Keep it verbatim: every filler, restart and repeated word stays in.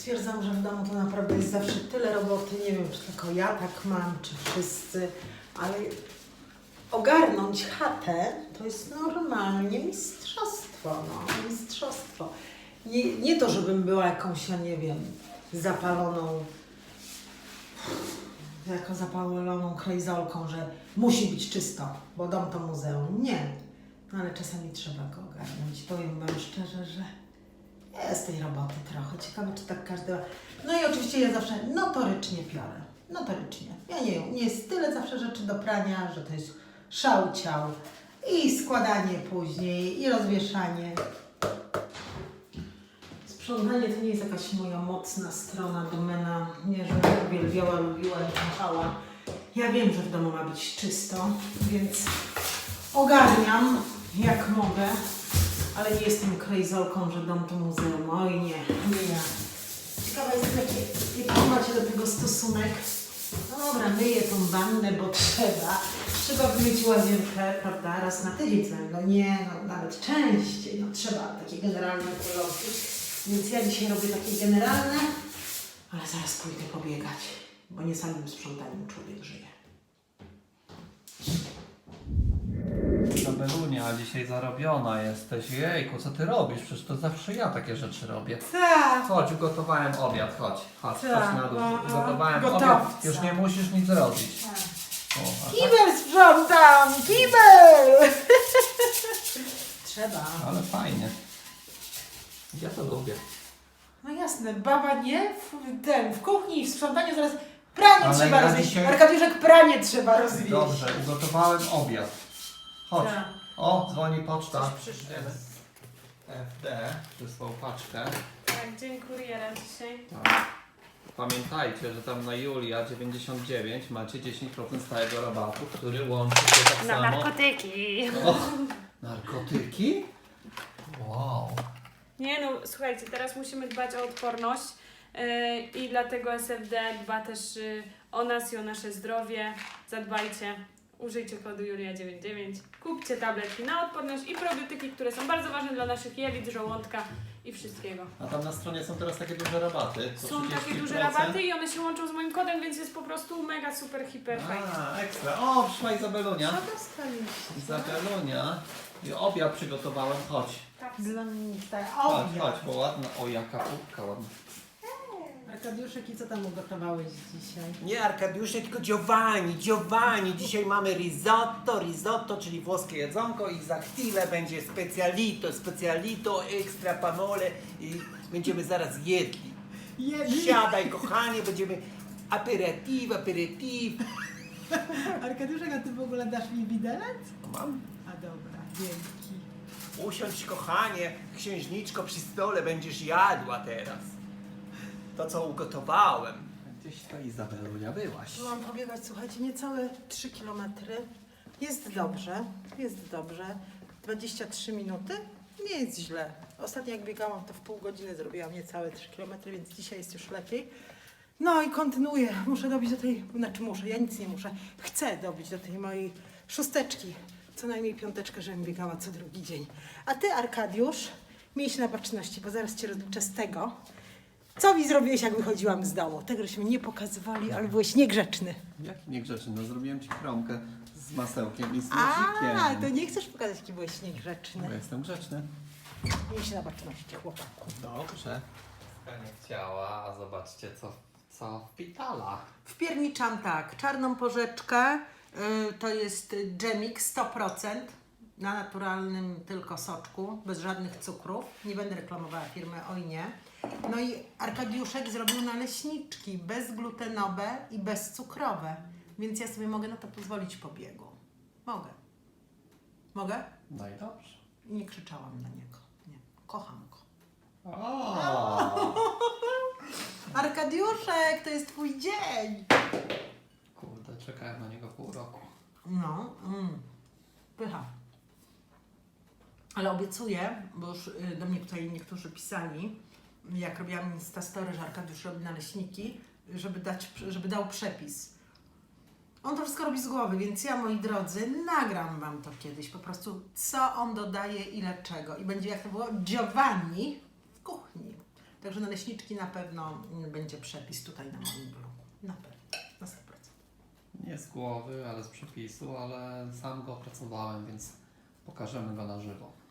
Stwierdzam, że w domu to naprawdę jest zawsze tyle roboty. Nie wiem, czy tylko ja tak mam, czy wszyscy, ale ogarnąć chatę to jest normalnie mistrzostwo, no, mistrzostwo. Nie, nie to, żebym była jakąś, ja nie wiem, zapaloną, jako zapaloną krejzolką, że musi być czysto, bo dom to muzeum. Nie, no, ale czasami trzeba go ogarnąć. Powiem Wam szczerze, że jest tej roboty trochę. Ciekawe, czy tak każdy... No i oczywiście ja zawsze notorycznie piorę. Notorycznie. Ja nie wiem, nie jest tyle zawsze rzeczy do prania, że to jest szał ciał. I składanie później, i rozwieszanie. Sprzątanie to nie jest jakaś moja mocna strona, domena. Nie, że uwielbiała, lubiła i kochała. Ja wiem, że w domu ma być czysto, więc ogarniam jak mogę. Ale nie jestem krejzolką, że dom to muzeum. Oj nie, nie ja. Ciekawa jestem, jaki, jaki macie do tego stosunek. No dobra, myję tą wannę, bo trzeba. Trzeba wymyć łazienkę, prawda, raz na tydzień. No nie, no nawet częściej. No trzeba takie generalne porządki. Więc ja dzisiaj robię takie generalne, ale zaraz pójdę pobiegać, bo nie samym sprzątaniem człowiek żyje. Belunia, dzisiaj zarobiona jesteś. Jejku, co ty robisz? Przecież to zawsze ja takie rzeczy robię. Tak. Chodź, ugotowałem obiad, chodź. Chodź, Tak, chodź na dół. o, o, Ugotowałem gotowca. obiad, już nie musisz nic robić. Tak. O, a tak, Kibel sprzątam! Kibel! Trzeba. ale fajnie. Ja to lubię. No jasne, baba nie w, ten, w kuchni i w sprzątaniu zaraz pranie Ale trzeba ja rozwieść. dzisiaj- Arkadiuszek, pranie trzeba rozwieść. Dobrze, ugotowałem obiad. Chodź. Tak. O, dzwoni poczta. Coś przyszło. F D przysłał paczkę. Tak, dzień kuriera dzisiaj. Tak. Pamiętajcie, że tam na Julia dziewięćdziesiąt dziewięć macie dziesięć procent stałego rabatu, który łączy się tak Na samo. narkotyki. O, narkotyki? Wow. Nie no, słuchajcie, teraz musimy dbać o odporność yy, i dlatego S F D dba też yy, o nas i o nasze zdrowie. Zadbajcie, użyjcie kodu Julia dziewięćdziesiąt dziewięć, kupcie tabletki na odporność i probiotyki, które są bardzo ważne dla naszych jelit, żołądka i wszystkiego. A tam na stronie są teraz takie duże rabaty. po Są takie trzydzieści duże procent. rabaty i one się łączą z moim kodem, więc jest po prostu mega, super, hiper fajnie. A, ekstra. O, przyszła Izabelunia. Co dostaliście? Izabelunia. I obiad przygotowałem, chodź. Tak. Dla mnie tak. Chodź, Obiad. chodź, bo ładna. O, jaka kubka ładna. Arkadiuszek, i co tam ugotowałeś dzisiaj? Nie Arkadiuszek, tylko Giovanni, Giovanni. Dzisiaj mamy risotto, risotto, czyli włoskie jedzonko i za chwilę będzie specialito, specialito, extra panole i będziemy zaraz jedli. Jedli. Siadaj kochanie, będziemy aperitif, aperitif. Arkadiuszek, a ty w ogóle dasz mi widelec? Mam A dobra, dzięki. usiądź kochanie, księżniczko przy stole będziesz jadła teraz. To co ugotowałem. Gdzieś ta Izabelunia byłaś. Mam pobiegać, słuchajcie, niecałe trzy kilometry. Jest dobrze, jest dobrze. dwadzieścia trzy minuty, nie jest źle. Ostatnio jak biegałam, to w pół godziny zrobiłam niecałe trzy kilometry, więc dzisiaj jest już lepiej. No i kontynuuję. Muszę dobić do tej, znaczy muszę, ja nic nie muszę. Chcę dobić do tej mojej szósteczki. Co najmniej piąteczkę, żebym biegała co drugi dzień. A ty, Arkadiusz, miej się na baczności, bo zaraz cię rozliczę z tego, co mi zrobiłeś, jak wychodziłam z domu. Tego, żeśmy nie pokazywali, ale byłeś niegrzeczny. Jaki niegrzeczny, no zrobiłem ci kromkę z masełkiem i z A, ludzikiem. to nie chcesz pokazać, jaki byłeś niegrzeczny. Bo jestem grzeczny. Miej się na baczności, chłopaku. Dobrze. Nie chciała, a zobaczcie co, co w pitala. Wpierniczam tak, czarną porzeczkę, y, to jest dżemik sto procent na naturalnym tylko soczku, bez żadnych cukrów. Nie będę reklamowała firmy, oj nie. No i Arkadiuszek zrobił naleśniczki bezglutenowe i bezcukrowe, więc ja sobie mogę na to pozwolić po biegu. Mogę. Mogę? No i dobrze. I nie krzyczałam na niego. Nie, kocham go. O! Arkadiuszek, to jest twój dzień! Kurde, czekałem na niego pół roku. No, mm, pycha. Ale obiecuję, bo już y, do mnie tutaj niektórzy pisali, jak robiłam Instastory, że Arkadiusz robi naleśniki, żeby, dać, żeby dał przepis. On to wszystko robi z głowy, więc ja, moi drodzy, nagram wam to kiedyś po prostu, co on dodaje, ile czego. I będzie, jak to było, Giovanni w kuchni. Także na leśniczki na pewno mm, będzie przepis tutaj na moim blogu. Na pewno, na sto procent. Nie z głowy, ale z przepisu, ale sam go opracowałem, więc pokażemy go na żywo.